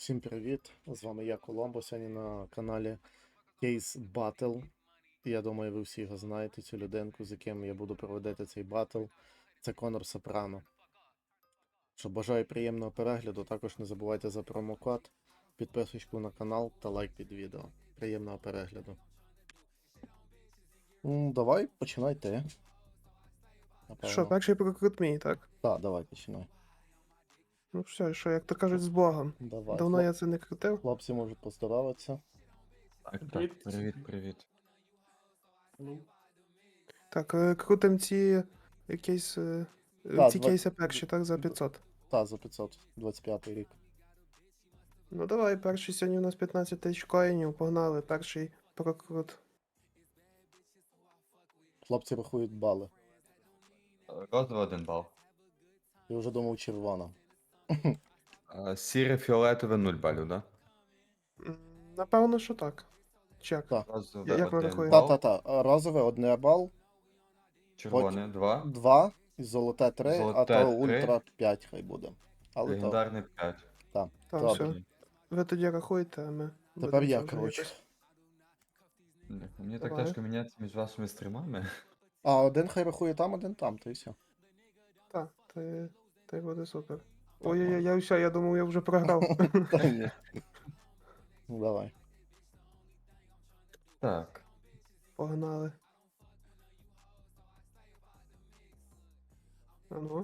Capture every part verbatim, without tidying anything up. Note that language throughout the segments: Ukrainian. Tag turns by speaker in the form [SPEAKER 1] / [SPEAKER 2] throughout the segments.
[SPEAKER 1] Всім привіт! З вами я, Коломбо. Сьогодні на каналі Case Battle. Я думаю, ви всі його знаєте, цю людинку, з яким я буду проводити цей батл. Це Конор Сопрано. Що бажаю приємного перегляду. Також не забувайте за промокод, підписочку на канал та лайк під відео. Приємного перегляду. М, Давай, починай ти.
[SPEAKER 2] Що,
[SPEAKER 1] Напевно.
[SPEAKER 2] перший прокрут мій, так?
[SPEAKER 1] Так, давай, починай.
[SPEAKER 2] Ну все, що, як то кажуть, з Богом.
[SPEAKER 1] Давай.
[SPEAKER 2] Давно
[SPEAKER 1] Хлоп-
[SPEAKER 2] я це не крутив.
[SPEAKER 1] Хлопці можуть поздороватися.
[SPEAKER 3] Так, так,
[SPEAKER 4] Привіт.
[SPEAKER 3] привіт, привіт.
[SPEAKER 4] Ну,
[SPEAKER 2] Так, е, крутим ці якісь. е,
[SPEAKER 1] Так,
[SPEAKER 2] ці
[SPEAKER 1] два-
[SPEAKER 2] кейси перші, так, за п'ятсот.
[SPEAKER 1] Та, за п'ятсот двадцять п'ятий рік.
[SPEAKER 2] Ну давай, перший сьогодні у нас п'ятнадцять тисяч коїнів, погнали, перший прокрут.
[SPEAKER 1] Хлопці рахують бали.
[SPEAKER 3] Розовий один бал.
[SPEAKER 1] Я вже думав червона.
[SPEAKER 3] А, Сіре фіолетове нуль балів, да?
[SPEAKER 2] М, Напевно, що так. Чек.
[SPEAKER 1] Так.
[SPEAKER 3] Розове
[SPEAKER 2] Як ми
[SPEAKER 3] один
[SPEAKER 2] рахуємо?
[SPEAKER 3] бал.
[SPEAKER 1] Та-та-та. Розове одне бал,
[SPEAKER 3] Червоне два.
[SPEAKER 1] два, і золоте три, а
[SPEAKER 3] Золоте
[SPEAKER 1] то
[SPEAKER 3] три.
[SPEAKER 1] ультра п'ять хай буде. Але то,
[SPEAKER 3] Легендарне п'ять.
[SPEAKER 1] так.
[SPEAKER 2] Так,
[SPEAKER 1] Добре.
[SPEAKER 2] все. Ви тоді рахуєте, а ми.
[SPEAKER 1] Тепер
[SPEAKER 2] будемо
[SPEAKER 1] я,
[SPEAKER 2] це вже
[SPEAKER 1] коротше.
[SPEAKER 2] якось-
[SPEAKER 3] Бля, Мені так
[SPEAKER 2] Давай.
[SPEAKER 3] тяжко міняти між вашими стрімами.
[SPEAKER 1] А один хай рахує там, один там, то і все.
[SPEAKER 2] Так, ти, ти буде супер. Ой-ой-ой, я все, я думав, я вже програв.
[SPEAKER 1] Та ні. Ну давай.
[SPEAKER 3] Так.
[SPEAKER 2] Погнали. А ну.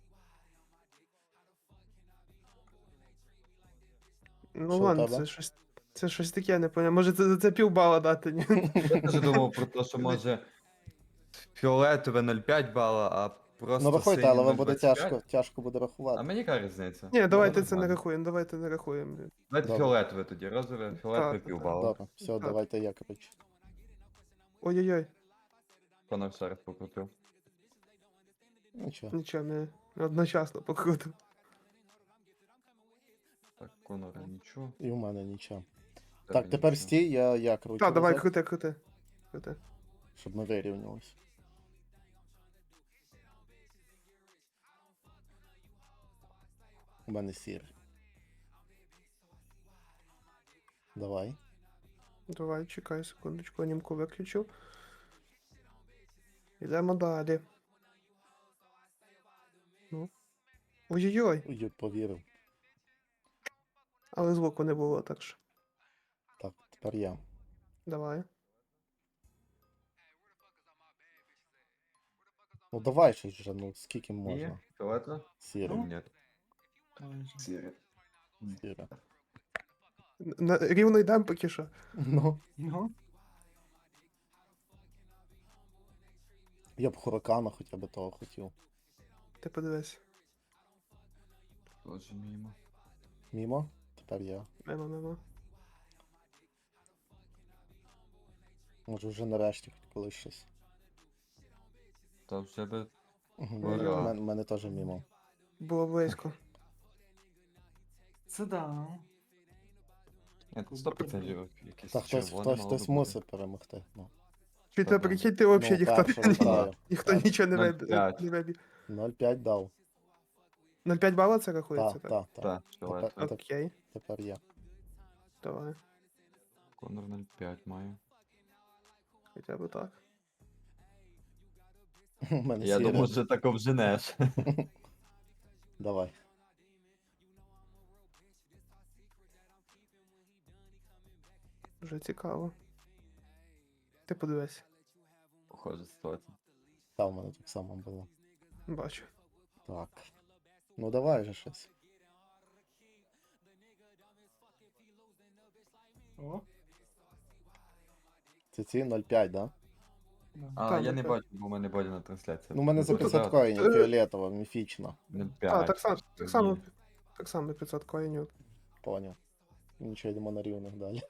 [SPEAKER 2] Ну
[SPEAKER 1] Що у
[SPEAKER 2] ладно,
[SPEAKER 1] тебе?
[SPEAKER 2] це щось. Це щось таке, не поняв. Може це за це півбала дати, ні?
[SPEAKER 3] Я теж думав про те, що може фіолетове нуль п'ять бала, а просто
[SPEAKER 1] Ну рахуйте,
[SPEAKER 3] синє
[SPEAKER 1] але вам буде
[SPEAKER 3] нуль двадцять п'ять.
[SPEAKER 1] тяжко, тяжко буде
[SPEAKER 3] А
[SPEAKER 1] рахувати.
[SPEAKER 3] мені яка різниця?
[SPEAKER 2] Ні, давайте
[SPEAKER 3] Ну,
[SPEAKER 2] це не
[SPEAKER 3] нормально.
[SPEAKER 2] рахуємо, давайте не рахуємо.
[SPEAKER 3] Давайте
[SPEAKER 1] Добре.
[SPEAKER 3] фіолетове тоді, розове, фіолетове
[SPEAKER 2] Так, так,
[SPEAKER 3] півбала.
[SPEAKER 1] Добре, все,
[SPEAKER 2] Так.
[SPEAKER 1] давайте я, коротше.
[SPEAKER 2] Ой-ой-ой,
[SPEAKER 3] Конор ще раз покрутив.
[SPEAKER 1] Нічого.
[SPEAKER 2] нічого, не одночасно покрутив.
[SPEAKER 3] Так, Конора нічого.
[SPEAKER 1] І в мене нічого.
[SPEAKER 3] в
[SPEAKER 1] Так,
[SPEAKER 3] тебе
[SPEAKER 1] тепер
[SPEAKER 3] нічого.
[SPEAKER 1] стій, я, я кручу.
[SPEAKER 2] Так, давай,
[SPEAKER 1] назад,
[SPEAKER 2] крути, крути. Крути.
[SPEAKER 1] щоб ми вирівнялись. У мене сірий. Давай.
[SPEAKER 2] Давай, чекай секундочку, анімку виключив. Йдемо далі. Ну. Ой-ой-ой,
[SPEAKER 1] Ой, повірив.
[SPEAKER 2] але звуку не було, так що.
[SPEAKER 1] Так, тепер я.
[SPEAKER 2] Давай.
[SPEAKER 1] Ну давай щось вже, ну скільки
[SPEAKER 3] Є?
[SPEAKER 1] можна.
[SPEAKER 3] Фіолетове?
[SPEAKER 1] Сірий.
[SPEAKER 3] Ні.
[SPEAKER 4] там же.
[SPEAKER 3] Сіре.
[SPEAKER 1] Сірий.
[SPEAKER 2] На, рівно йдемо поки що.
[SPEAKER 1] Ну.
[SPEAKER 4] Ну,
[SPEAKER 1] Я б Хуракана хоча б того хотів.
[SPEAKER 2] Ти подивись.
[SPEAKER 3] Тоже мимо.
[SPEAKER 1] Мімо? Тепер я.
[SPEAKER 2] Мимо, мимо.
[SPEAKER 1] Може вже нарешті хоч колись щось.
[SPEAKER 3] Та в тебе
[SPEAKER 1] У
[SPEAKER 3] Ура.
[SPEAKER 1] мене, мене теж мімо.
[SPEAKER 2] Було близько.
[SPEAKER 4] це да.
[SPEAKER 3] Ні, тут сто процентів якийсь
[SPEAKER 1] Та хтось,
[SPEAKER 3] червоний
[SPEAKER 1] хтось,
[SPEAKER 3] мало
[SPEAKER 1] хтось
[SPEAKER 3] би бути.
[SPEAKER 1] мусить перемогти. Ну.
[SPEAKER 2] Чи
[SPEAKER 3] Та
[SPEAKER 2] ти
[SPEAKER 3] да.
[SPEAKER 2] прикинь, ти взагалі
[SPEAKER 1] Ну,
[SPEAKER 2] ніхто,
[SPEAKER 1] першого
[SPEAKER 2] ні-
[SPEAKER 1] граю.
[SPEAKER 2] ніхто
[SPEAKER 1] Так.
[SPEAKER 2] нічого не
[SPEAKER 3] нуль
[SPEAKER 2] вибі-
[SPEAKER 3] п'ять.
[SPEAKER 2] не вибі.
[SPEAKER 1] нуль п'ять дав.
[SPEAKER 2] нуль п'ять бала це рахується,
[SPEAKER 1] Так,
[SPEAKER 2] так?
[SPEAKER 1] так, так.
[SPEAKER 3] Так,
[SPEAKER 1] Тепер,
[SPEAKER 3] фіолетове.
[SPEAKER 1] теп-
[SPEAKER 2] Окей,
[SPEAKER 1] тепер я.
[SPEAKER 2] давай.
[SPEAKER 3] Конор нуль п'ять має.
[SPEAKER 2] Хоча б так.
[SPEAKER 1] У мене
[SPEAKER 3] Я
[SPEAKER 1] сірий.
[SPEAKER 3] думав, що так обженеш.
[SPEAKER 1] Давай.
[SPEAKER 2] Вже цікаво. Ти подивись.
[SPEAKER 3] Похожа ситуація.
[SPEAKER 1] Та в мене так само було.
[SPEAKER 2] Бачу.
[SPEAKER 1] Так. Ну давай же щось.
[SPEAKER 4] О,
[SPEAKER 1] Це ці нуль п'ять, да?
[SPEAKER 4] да.
[SPEAKER 3] А
[SPEAKER 2] Там
[SPEAKER 3] я не
[SPEAKER 2] таке.
[SPEAKER 3] бачу, бо в мене бодя на трансляції.
[SPEAKER 1] Ну, у мене за
[SPEAKER 3] Ну,
[SPEAKER 1] п'ятсот
[SPEAKER 3] да,
[SPEAKER 1] коїнів,
[SPEAKER 2] Е,
[SPEAKER 1] фіолетова, міфічна.
[SPEAKER 3] нуль
[SPEAKER 2] А,
[SPEAKER 3] п'ять.
[SPEAKER 2] так само, так само,
[SPEAKER 3] Ні.
[SPEAKER 2] так само п'ятсот коїнів.
[SPEAKER 1] Поняв. Нічого, йдемо на рівних далі.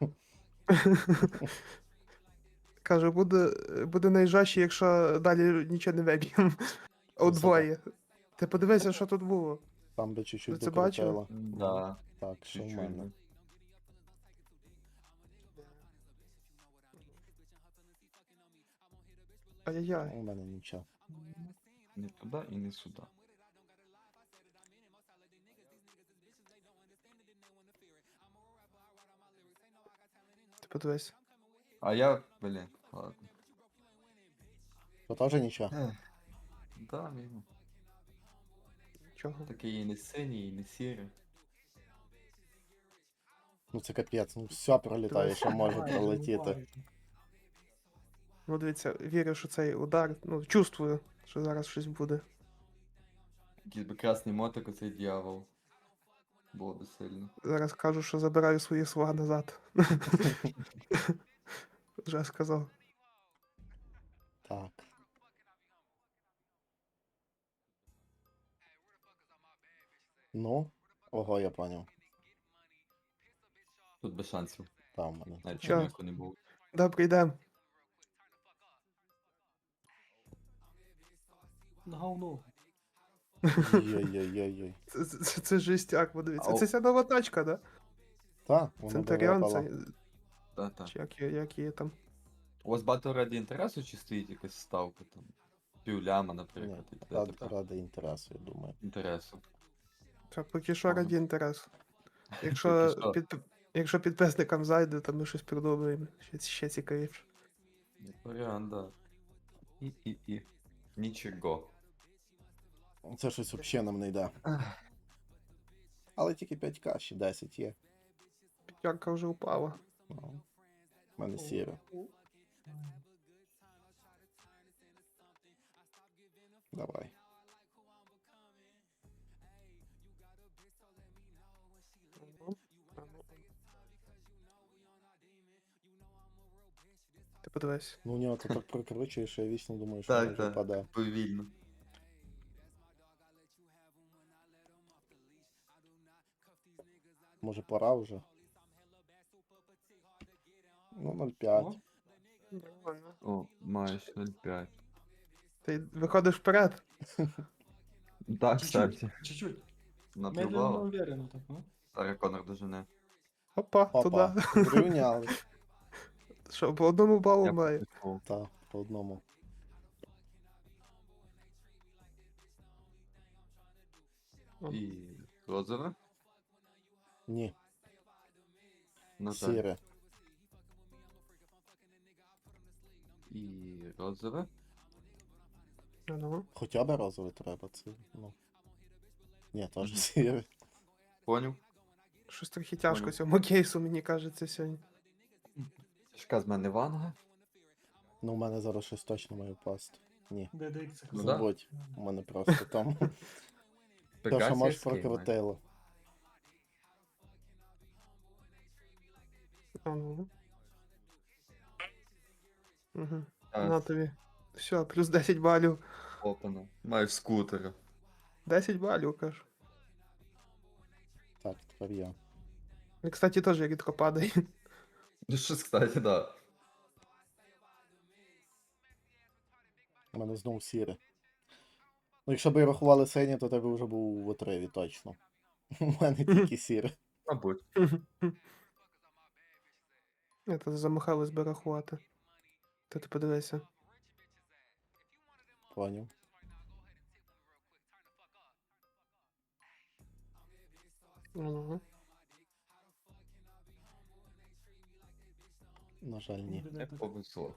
[SPEAKER 2] Кажу, буде, буде найжаще, якщо далі нічого не виб'ємо. Удвоє. Ти подивися, що тут було.
[SPEAKER 1] Там би чуть-чуть
[SPEAKER 2] Ви це бачили?
[SPEAKER 1] докрутило.
[SPEAKER 3] Да,
[SPEAKER 1] Так, що в
[SPEAKER 3] чуть-чуть.
[SPEAKER 1] мене?
[SPEAKER 3] ну.
[SPEAKER 2] Ай-яй-яй.
[SPEAKER 1] У мене нічого.
[SPEAKER 3] Не туди і не сюди.
[SPEAKER 2] подивись.
[SPEAKER 3] А я, блін, ладно.
[SPEAKER 1] То теж нічого.
[SPEAKER 3] Ех, да, він
[SPEAKER 2] Чого?
[SPEAKER 3] такий і не синій, і не сірий.
[SPEAKER 1] Ну це капець, ну все пролітає,
[SPEAKER 2] Дивись.
[SPEAKER 1] що може
[SPEAKER 4] Майже,
[SPEAKER 1] пролетіти.
[SPEAKER 4] майже.
[SPEAKER 2] Ну, дивіться, вірю, що цей удар, ну, чувствую, що зараз щось буде.
[SPEAKER 3] Якийсь би красний мотик, оцей дьявол. Було би сильно.
[SPEAKER 2] Зараз кажу, що забираю свої слова назад. Вже сказав.
[SPEAKER 1] Так. Ну, ого, я поняв.
[SPEAKER 3] Тут без шансів.
[SPEAKER 1] Там в мене.
[SPEAKER 3] Навіть
[SPEAKER 2] Чо?
[SPEAKER 3] чоловіку не було.
[SPEAKER 2] Добре, йдем.
[SPEAKER 4] На говно.
[SPEAKER 1] Йой-йой-йой-йой.
[SPEAKER 2] Це, це, це жестяк, подивіться.
[SPEAKER 3] Ау.
[SPEAKER 2] Це ця нова тачка, да?
[SPEAKER 1] Та, воно
[SPEAKER 2] Центуріон,
[SPEAKER 1] випало.
[SPEAKER 2] це.
[SPEAKER 3] Та-та.
[SPEAKER 2] Чи як, є- як є там.
[SPEAKER 3] У вас багато раді інтересу чи стоїть якась ставка там? Півляма,
[SPEAKER 1] Ні,
[SPEAKER 3] наприклад, і т.д.
[SPEAKER 1] ради,
[SPEAKER 3] т.п.
[SPEAKER 1] ради інтересу, я думаю.
[SPEAKER 3] Інтересу.
[SPEAKER 2] Так, поки що
[SPEAKER 3] Ага.
[SPEAKER 2] раді інтерес. Якщо,
[SPEAKER 3] Поки що.
[SPEAKER 2] під, якщо підписникам зайде, то ми щось придумаємо. Ще, ще цікавіше.
[SPEAKER 3] Як варіант, да. І, і, і. Нічого.
[SPEAKER 1] Це щось взагалі нам не йде. Але тільки п'ять ка, ще десять є.
[SPEAKER 2] П'ятерка вже упала.
[SPEAKER 1] Ну, в мене сіре. Давай.
[SPEAKER 2] Ти подивись.
[SPEAKER 1] Ну у нього то так прокручує, що я вічно думаю, що
[SPEAKER 3] Так,
[SPEAKER 1] може
[SPEAKER 3] так.
[SPEAKER 1] впаде.
[SPEAKER 3] Повільно.
[SPEAKER 1] Може пора вже? Ну, нуль п'ять.
[SPEAKER 4] О,
[SPEAKER 2] Нормально.
[SPEAKER 3] О, маєш нуль п'ять.
[SPEAKER 2] Ти виходиш вперед.
[SPEAKER 3] Так,
[SPEAKER 4] чуть-чуть,
[SPEAKER 3] кстати.
[SPEAKER 4] чуть-чуть. Медленно, но
[SPEAKER 3] Наплювало.
[SPEAKER 4] уверенно так, ну.
[SPEAKER 3] Зараз Конор дожене.
[SPEAKER 2] Опа,
[SPEAKER 1] Опа,
[SPEAKER 2] туди.
[SPEAKER 1] зрівняли.
[SPEAKER 2] Що, по одному балу
[SPEAKER 3] Я
[SPEAKER 2] має.
[SPEAKER 3] пішов.
[SPEAKER 1] Та, по одному.
[SPEAKER 3] І розове.
[SPEAKER 1] Ні,
[SPEAKER 3] На жаль.
[SPEAKER 1] сіре.
[SPEAKER 3] І розове.
[SPEAKER 2] А ну.
[SPEAKER 1] Хоча б розовий треба, це, ну. Ні, теж сіре.
[SPEAKER 3] Поняв.
[SPEAKER 2] Щось трохи тяжко
[SPEAKER 3] Понял.
[SPEAKER 2] цьому кейсу, мені кажеться, сьогодні.
[SPEAKER 3] Тяжка з мене ванга.
[SPEAKER 1] Ну, у мене зараз щось точно має впасти. Ні,
[SPEAKER 4] Д Д Х.
[SPEAKER 3] Ну да.
[SPEAKER 1] забудь. У мене просто там. Те, що
[SPEAKER 3] Пегасія
[SPEAKER 1] може
[SPEAKER 3] з Кейна.
[SPEAKER 1] прокрутило.
[SPEAKER 2] А ну. Угу.
[SPEAKER 3] А,
[SPEAKER 2] На тобі. Все, плюс десять балів.
[SPEAKER 3] Опана. Маєш скутера.
[SPEAKER 2] десять балів, кажу.
[SPEAKER 1] Так, тепер я.
[SPEAKER 2] І, кстати, теж рідко падає.
[SPEAKER 3] Ну щось, кстати, да.
[SPEAKER 1] У мене знову сіре. Ну, якщо б і рахували синє, то тебе вже був в отриві, точно. У мене тільки сіре.
[SPEAKER 3] Мабуть.
[SPEAKER 2] Я то замахалась би рахувати. Та ти подивися.
[SPEAKER 1] Поняв.
[SPEAKER 2] Ну.
[SPEAKER 1] На жаль, ні.
[SPEAKER 3] Не повезло.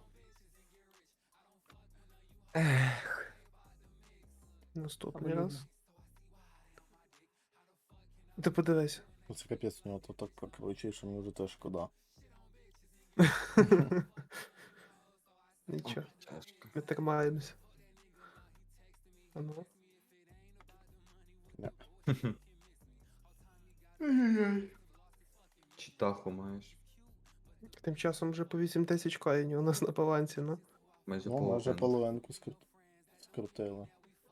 [SPEAKER 2] Наступний
[SPEAKER 4] Обоюдно.
[SPEAKER 2] раз. Ти подивись.
[SPEAKER 1] Ну це капець у нього то так прокручує, що мені вже теж шкода.
[SPEAKER 2] Нічого,
[SPEAKER 3] Тяжко.
[SPEAKER 2] ми тримаємося. А ну.
[SPEAKER 3] Читаху маєш.
[SPEAKER 2] Тим часом вже по вісім тисяч коїнів у нас на балансі, ну.
[SPEAKER 3] Майже
[SPEAKER 1] Ну, може
[SPEAKER 3] половину.
[SPEAKER 1] половинку скрут... скрутили.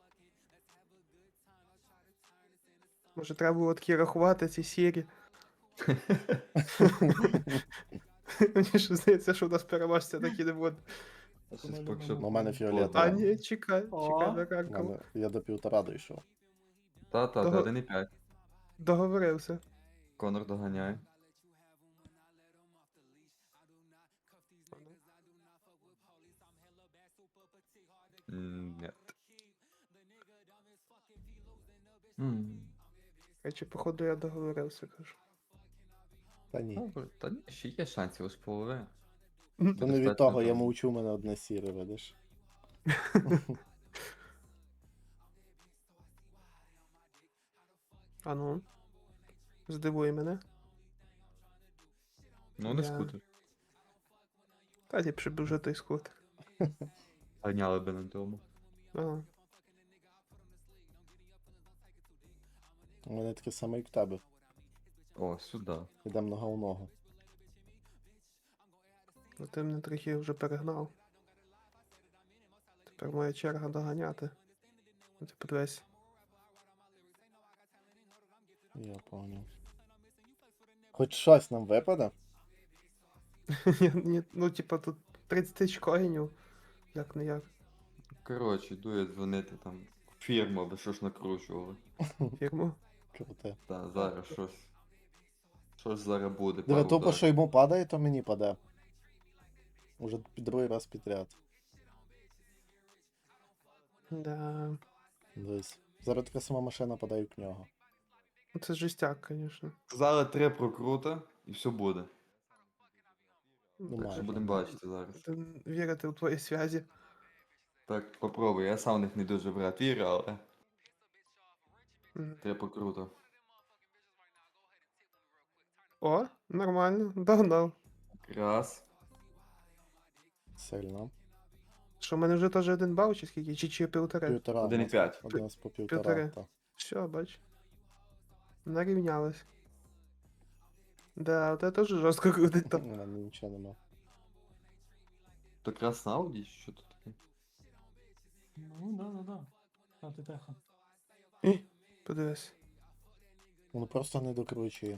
[SPEAKER 2] Може треба було такі рахувати ці сірі. Мені ж здається, що у нас переможця такі не буде.
[SPEAKER 3] А щось поки що
[SPEAKER 1] Ну, у мене
[SPEAKER 3] було.
[SPEAKER 1] фіолетове.
[SPEAKER 2] А ні, чекай,
[SPEAKER 4] О.
[SPEAKER 2] чекай на
[SPEAKER 1] У
[SPEAKER 2] ранку.
[SPEAKER 1] мене... Я до півтора дійшов.
[SPEAKER 3] Та-та,
[SPEAKER 2] Того-
[SPEAKER 3] та один і п'ять.
[SPEAKER 2] Договорився.
[SPEAKER 3] Конор доганяє. М, Нет. М,
[SPEAKER 2] Речі, походу, я договорився, кажу.
[SPEAKER 1] Та ні.
[SPEAKER 3] Ну, та ні, ще є шансів, ось половина.
[SPEAKER 1] То не від
[SPEAKER 3] достатньо
[SPEAKER 1] того, я
[SPEAKER 3] добре.
[SPEAKER 1] мовчу, у мене одне сіре, видиш.
[SPEAKER 2] А ну. Здивуй мене.
[SPEAKER 3] Ну, не
[SPEAKER 2] Я-
[SPEAKER 3] скутер.
[SPEAKER 2] Та ліпше б вже той скутер.
[SPEAKER 3] Ганяли би на тому.
[SPEAKER 2] Ага.
[SPEAKER 1] У мене таке саме, як в тебе.
[SPEAKER 3] О, сюди.
[SPEAKER 1] Йдемо нога в ногу.
[SPEAKER 2] Ну ти мене трохи вже перегнав. Тепер моя черга доганяти. Ну, ти подивись.
[SPEAKER 1] Я понял. Хоч щось нам випаде?
[SPEAKER 2] Ні, ні, ну, типа, тут тридцять тисяч коїнів. Як не як.
[SPEAKER 3] Коротше, йду я дзвонити там в фірму, аби що ж накручували.
[SPEAKER 2] Фірму.
[SPEAKER 1] Круте.
[SPEAKER 3] Та зараз щось. Щось зараз буде.
[SPEAKER 1] Диви,
[SPEAKER 3] пару
[SPEAKER 1] тупо,
[SPEAKER 3] ударів.
[SPEAKER 1] що йому падає, то мені паде. Уже під другий раз підряд.
[SPEAKER 2] Да.
[SPEAKER 1] Дивись. Зараз така сама машина падає в нього.
[SPEAKER 2] Ну, це жестяк, звісно.
[SPEAKER 3] Сказали три прокрута і все буде.
[SPEAKER 2] Ну,
[SPEAKER 1] Ну,
[SPEAKER 2] так
[SPEAKER 1] майже.
[SPEAKER 3] Що будемо бачити зараз.
[SPEAKER 2] що вірити у твої зв'язі.
[SPEAKER 3] Так, попробуй. Я сам в них не дуже брат вірю, але
[SPEAKER 2] Мгм.
[SPEAKER 3] три прокрута.
[SPEAKER 2] О, нормально, догнав.
[SPEAKER 3] Раз.
[SPEAKER 1] Сильно.
[SPEAKER 2] Що, в мене вже теж один бал, чи скільки? Чи, чи півтори?
[SPEAKER 1] Півтора.
[SPEAKER 3] Один і
[SPEAKER 1] у нас-
[SPEAKER 3] п'ять.
[SPEAKER 1] У нас по півтора.
[SPEAKER 2] Півтори.
[SPEAKER 1] Та.
[SPEAKER 2] Все, бач. Нарівнялись. Да, от це теж жорстко крутить
[SPEAKER 1] У
[SPEAKER 2] там.
[SPEAKER 1] мене нічого нема.
[SPEAKER 3] То якраз на Ауді, чи що тут таке?
[SPEAKER 4] Ну, да, да, да. А ти теха.
[SPEAKER 2] І, подивись.
[SPEAKER 1] Воно просто не докручує.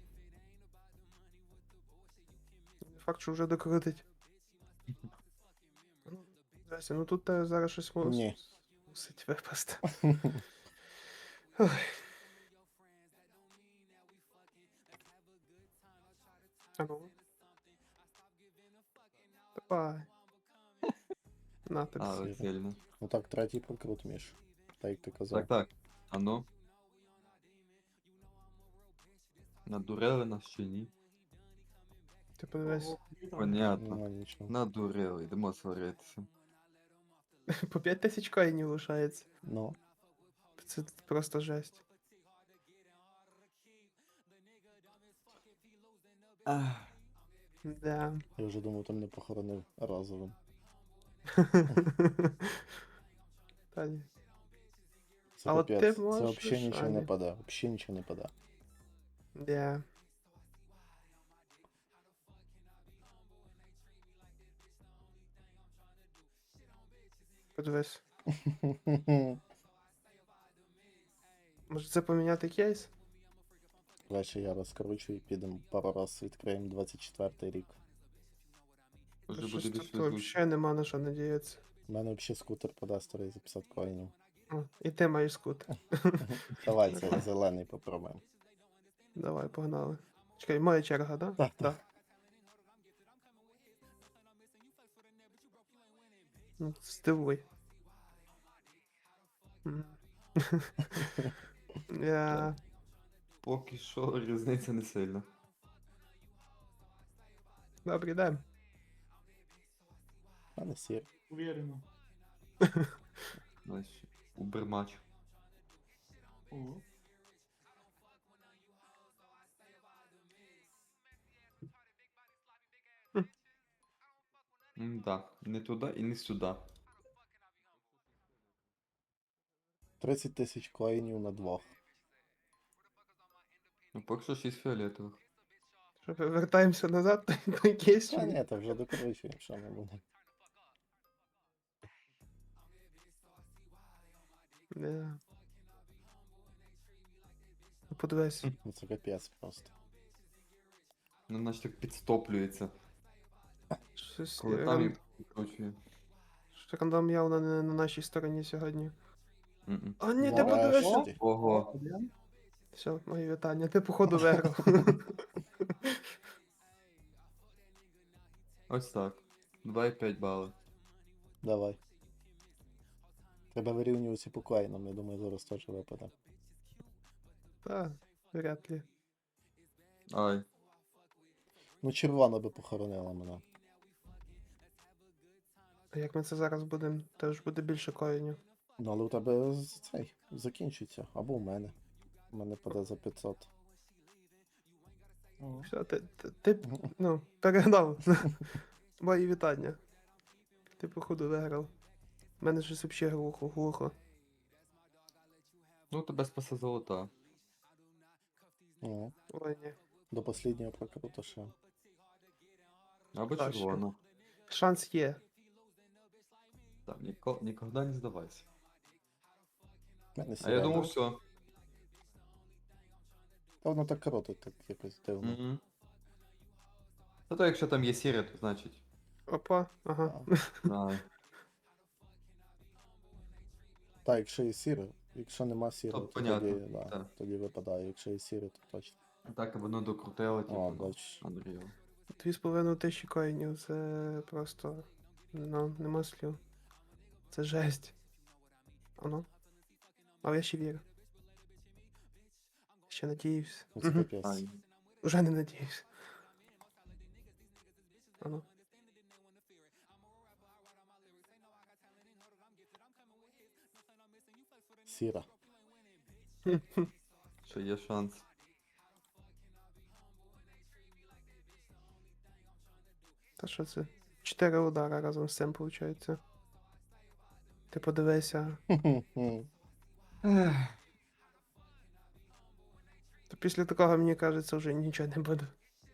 [SPEAKER 2] Факт, що вже докрутить. Ну, Здрасте, ну тут те зараз щось мус...
[SPEAKER 1] Ні.
[SPEAKER 2] мусить випасти. Ой. А ну. Давай. На тобі.
[SPEAKER 3] А,
[SPEAKER 1] Сіре.
[SPEAKER 3] сильно.
[SPEAKER 1] Ну так, третій прокрут, Міш. Так як ти казав.
[SPEAKER 3] Так, так. А ну. Надурили нас чи ні?
[SPEAKER 2] Ти подивись.
[SPEAKER 4] О, вітаю.
[SPEAKER 3] Понятно.
[SPEAKER 1] Нема нічого.
[SPEAKER 3] Надурили, йдемо сваритися.
[SPEAKER 2] По п'ять тисяч коїнів лишається.
[SPEAKER 1] Ну,
[SPEAKER 2] Це просто жесть.
[SPEAKER 3] Ах.
[SPEAKER 2] Да.
[SPEAKER 1] я вже думав, там не похоронив разовим.
[SPEAKER 2] Та ні.
[SPEAKER 1] Це
[SPEAKER 2] А от ти
[SPEAKER 1] капець. Це
[SPEAKER 2] можеш,
[SPEAKER 1] взагалі нічого не
[SPEAKER 2] Аня.
[SPEAKER 1] паде. Взагалі нічого не паде.
[SPEAKER 2] Да. Подивись. Може це поміняти кейс?
[SPEAKER 1] Краще я розкручу і підемо пару раз відкриємо двадцять четвертий рік.
[SPEAKER 3] Вже
[SPEAKER 2] Щось
[SPEAKER 3] буде
[SPEAKER 2] тут
[SPEAKER 3] більш везуче.
[SPEAKER 2] взагалі нема на що надіятися.
[SPEAKER 1] У мене взагалі скутер подасть старий за п'ятдесят коїнів.
[SPEAKER 2] О, і ти маєш скутер.
[SPEAKER 1] Давай це зелений попробуємо.
[SPEAKER 2] Давай, погнали. Чекай, моя черга, да?
[SPEAKER 1] Так,
[SPEAKER 2] Да. Ну, Здивуй. М. Я...
[SPEAKER 3] Поки що різниця не сильна.
[SPEAKER 2] Добрий день.
[SPEAKER 1] А не сір.
[SPEAKER 4] Уверенно.
[SPEAKER 3] Ось, убермач.
[SPEAKER 4] О,
[SPEAKER 3] М-да, не туди і не сюди.
[SPEAKER 1] тридцять тисяч коїнів на двох.
[SPEAKER 3] Ну, поки що шість фіолетових.
[SPEAKER 2] Що, вертаємося назад, той кейс? чи
[SPEAKER 1] Та
[SPEAKER 2] ні?
[SPEAKER 1] ні, то вже докручуємо, що ми будемо.
[SPEAKER 2] Да. Ну, подивись.
[SPEAKER 1] Ну це капець просто.
[SPEAKER 3] Ну, наче так підстоплюється.
[SPEAKER 2] Щось
[SPEAKER 3] Коли там
[SPEAKER 2] ран...
[SPEAKER 3] їх підкручує.
[SPEAKER 2] що рандом явно не на нашій стороні сьогодні.
[SPEAKER 3] М-м.
[SPEAKER 2] А ні, ти
[SPEAKER 1] Нарешті.
[SPEAKER 2] подивися.
[SPEAKER 3] Ого.
[SPEAKER 4] один.
[SPEAKER 2] Все, мої вітання. Ти походу виграв.
[SPEAKER 3] Ось так. два і п'ять бали.
[SPEAKER 1] Давай. Треба вирівнюватися по коїнам, я думаю, зараз теж випаде.
[SPEAKER 2] Так, вряд ли.
[SPEAKER 3] Ай.
[SPEAKER 1] Ну, червона би похоронила мене.
[SPEAKER 2] А як ми це зараз будемо, теж буде більше коїнів.
[SPEAKER 1] Ну, але у тебе з- цей закінчиться. Або у мене. У мене паде за п'ятсот.
[SPEAKER 4] О.
[SPEAKER 2] Все, ти, ти, ти ну, перегнав. Мої вітання. Ти, походу, виграв. У мене щось взагалі глухо, глухо.
[SPEAKER 3] Ну, тебе спасе золота.
[SPEAKER 1] Ну,
[SPEAKER 2] Ой, ні.
[SPEAKER 1] до останнього прокруту ще.
[SPEAKER 3] Або
[SPEAKER 2] Так, що?
[SPEAKER 3] червона.
[SPEAKER 2] Шанс є.
[SPEAKER 3] Там, ніко, ніколи не здавайся.
[SPEAKER 1] В мене
[SPEAKER 3] А
[SPEAKER 1] сіре.
[SPEAKER 3] я думав, все.
[SPEAKER 1] Та воно так крутить, так якось дивно.
[SPEAKER 3] Угу. Та то якщо там є сіре, то значить.
[SPEAKER 2] Опа, ага.
[SPEAKER 3] Да.
[SPEAKER 1] Так, якщо є сіре, якщо нема сіре,
[SPEAKER 3] То
[SPEAKER 1] то,
[SPEAKER 3] понятно,
[SPEAKER 1] тоді, да,
[SPEAKER 3] так.
[SPEAKER 1] тоді випадає. Якщо є сіре, то точно.
[SPEAKER 3] Так, воно докрутило, типу.
[SPEAKER 1] О,
[SPEAKER 3] ну,
[SPEAKER 1] бач.
[SPEAKER 3] Unreal.
[SPEAKER 2] Дві з половиною тисячі коїнів, це просто. Ну, нема слів. Це жесть. Ано. Але я ще вірю. Ще надіюсь.
[SPEAKER 1] Ну, це
[SPEAKER 2] Мгм.
[SPEAKER 1] капець.
[SPEAKER 3] Ай.
[SPEAKER 2] Уже не надіюсь. Ано.
[SPEAKER 1] Сіра.
[SPEAKER 3] Ще є шанс.
[SPEAKER 2] Та що це? Чотири удара разом з цим виходить. Ти подивися.
[SPEAKER 3] Ех.
[SPEAKER 2] То після такого, мені кажеться, вже нічого не буде.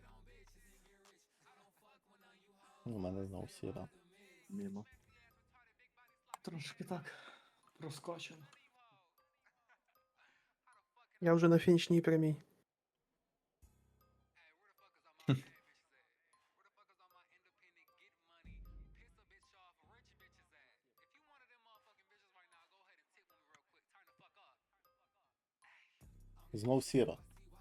[SPEAKER 1] У мене знову сіра.
[SPEAKER 3] Мімо.
[SPEAKER 4] Трошки так проскочило.
[SPEAKER 2] Я вже на фінішній прямій.
[SPEAKER 1] Знов сіра.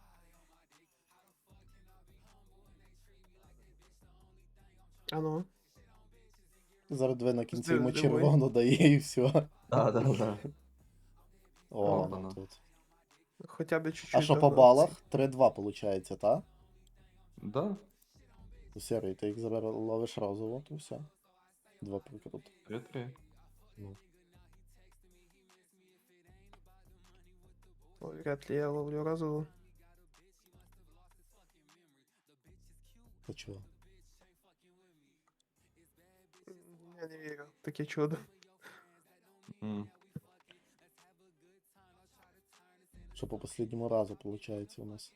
[SPEAKER 2] Ано.
[SPEAKER 1] Зараз дві на кінці
[SPEAKER 2] Здив-
[SPEAKER 1] йому
[SPEAKER 2] здивуй.
[SPEAKER 1] червоно дає і все.
[SPEAKER 3] Да, да, да.
[SPEAKER 1] О,
[SPEAKER 3] Опа-на.
[SPEAKER 1] ну тут.
[SPEAKER 2] Хоча б чуть-чуть.
[SPEAKER 1] А що по
[SPEAKER 2] до-
[SPEAKER 1] балах? три-два виходить, так?
[SPEAKER 3] Да,
[SPEAKER 1] Ну, Сірий, ти їх забер... ловиш разово, то все. Два прикрути.
[SPEAKER 3] три-три.
[SPEAKER 1] Ну.
[SPEAKER 2] Ой, вряд ли я ловлю разово.
[SPEAKER 1] Та чого?
[SPEAKER 2] Я не вірю. Таке чудо.
[SPEAKER 3] М.
[SPEAKER 1] Що по останньому разу виходить у нас.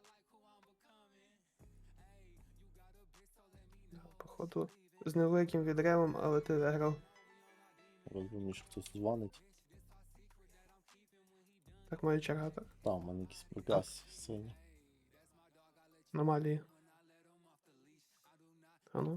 [SPEAKER 2] Походу. З невеликим відривом, але ти виграв.
[SPEAKER 1] Розумію, що хтось дзвонить.
[SPEAKER 2] Так моя черга, так?
[SPEAKER 1] Там у мене якісь приказ сині.
[SPEAKER 2] Аномалії. Ану.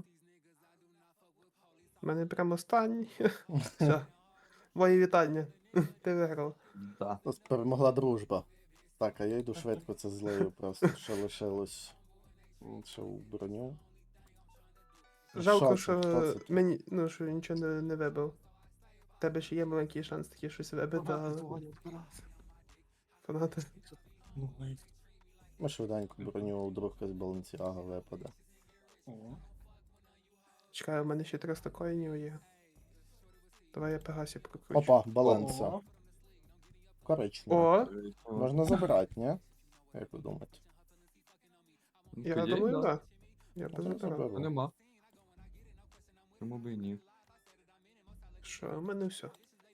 [SPEAKER 2] У мене прямо останній. Все. Мої вітання. Ти виграв.
[SPEAKER 3] Да.
[SPEAKER 1] Нас перемогла дружба. Так, а я йду швидко, це злею просто. Ще лишилось. м, Ще у броню.
[SPEAKER 2] Жалко,
[SPEAKER 1] це?
[SPEAKER 2] що
[SPEAKER 1] Хто це?
[SPEAKER 2] мені, ну, що нічого не, не вибив. У тебе ще є маленький шанс таки щось вибити,
[SPEAKER 4] Багато
[SPEAKER 2] але
[SPEAKER 4] дзвонять вкратце.
[SPEAKER 2] фанати.
[SPEAKER 4] Ну, навіть.
[SPEAKER 1] Ми швиденько броню, вдруг якась балансіага випаде.
[SPEAKER 4] О.
[SPEAKER 2] Чекай, у мене ще триста коїнів є. Давай я Пегасі прокручу.
[SPEAKER 1] Опа, баланса.
[SPEAKER 4] О.
[SPEAKER 1] Коричнева.
[SPEAKER 2] О,
[SPEAKER 1] Можна забирати, ні? Як ви думаєте?
[SPEAKER 3] Ну,
[SPEAKER 2] я
[SPEAKER 3] по ідеї,
[SPEAKER 2] думаю,
[SPEAKER 3] да.
[SPEAKER 2] так. Я б
[SPEAKER 1] Ну,
[SPEAKER 2] забирав.
[SPEAKER 1] заберу.
[SPEAKER 3] Та нема. Чому би і ні?
[SPEAKER 2] Що, у мене все.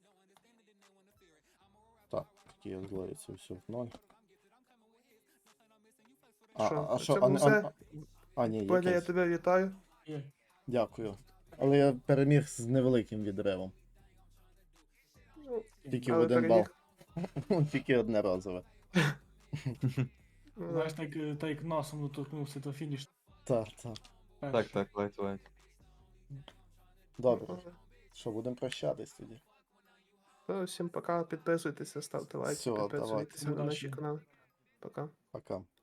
[SPEAKER 1] Так, такі я злою, це все в ноль. А,
[SPEAKER 2] Що,
[SPEAKER 1] а, а
[SPEAKER 2] це
[SPEAKER 1] що, а,
[SPEAKER 2] було
[SPEAKER 1] не-
[SPEAKER 2] все?
[SPEAKER 1] а, а, ні,
[SPEAKER 2] Боля, я
[SPEAKER 1] якесь.
[SPEAKER 2] тебе вітаю.
[SPEAKER 4] Є.
[SPEAKER 1] Дякую. Але я переміг з невеликим відривом.
[SPEAKER 2] Ну,
[SPEAKER 1] Тільки в
[SPEAKER 2] але
[SPEAKER 1] один бал.
[SPEAKER 2] переміг.
[SPEAKER 1] Тільки одне разове.
[SPEAKER 2] Ну,
[SPEAKER 4] Знаєш, так, е, так як носом доторкнувся до фініш.
[SPEAKER 1] Так, так.
[SPEAKER 3] Так, так, лайт, лайт.
[SPEAKER 1] Добре. Що, будемо прощатись тоді?
[SPEAKER 2] Ну, всім пока, підписуйтеся, ставте лайки,
[SPEAKER 1] Всього,
[SPEAKER 2] підписуйтеся на
[SPEAKER 4] давайте.
[SPEAKER 2] наші канали. Пока.
[SPEAKER 1] Пока.